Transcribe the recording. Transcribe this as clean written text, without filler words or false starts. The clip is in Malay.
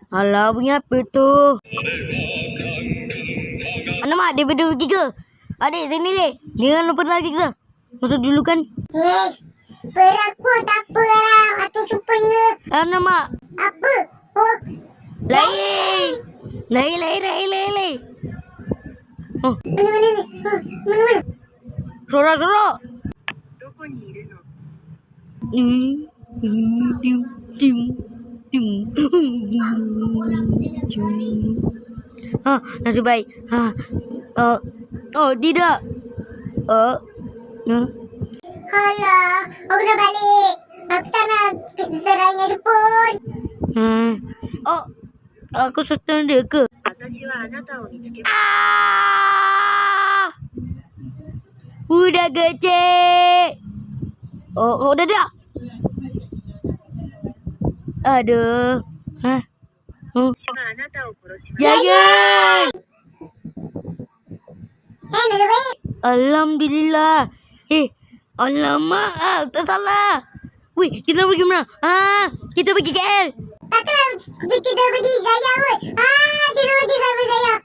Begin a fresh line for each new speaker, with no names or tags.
Alah, bunyi apa tu? Alamak, dia berdua pergi ke? Adik, sini dek. Jangan lupa lagi kita. Masuk dulu kan?
Yes. Berakut tak apa lah. Atau supaya.
Alamak.
Apa? Oh.
Lain. Lain. Oh,
Mana ni? Mana?
sorak-sorak. Nasib baik. Oh, tidak.
Alah, aku dah balik. Aku tak nak serangnya pun.
Oh, aku serta dia ke? Ah! Udah kecil. Oh, dah tak? Aduh. Oh. Jangan.
Nasib baik.
Alhamdulillah. Alamak, tak salah. Wih, kita pergi mana? Kita pergi KL.
Takkan kita pergi Jaya kot. Kita pergi sama Jaya.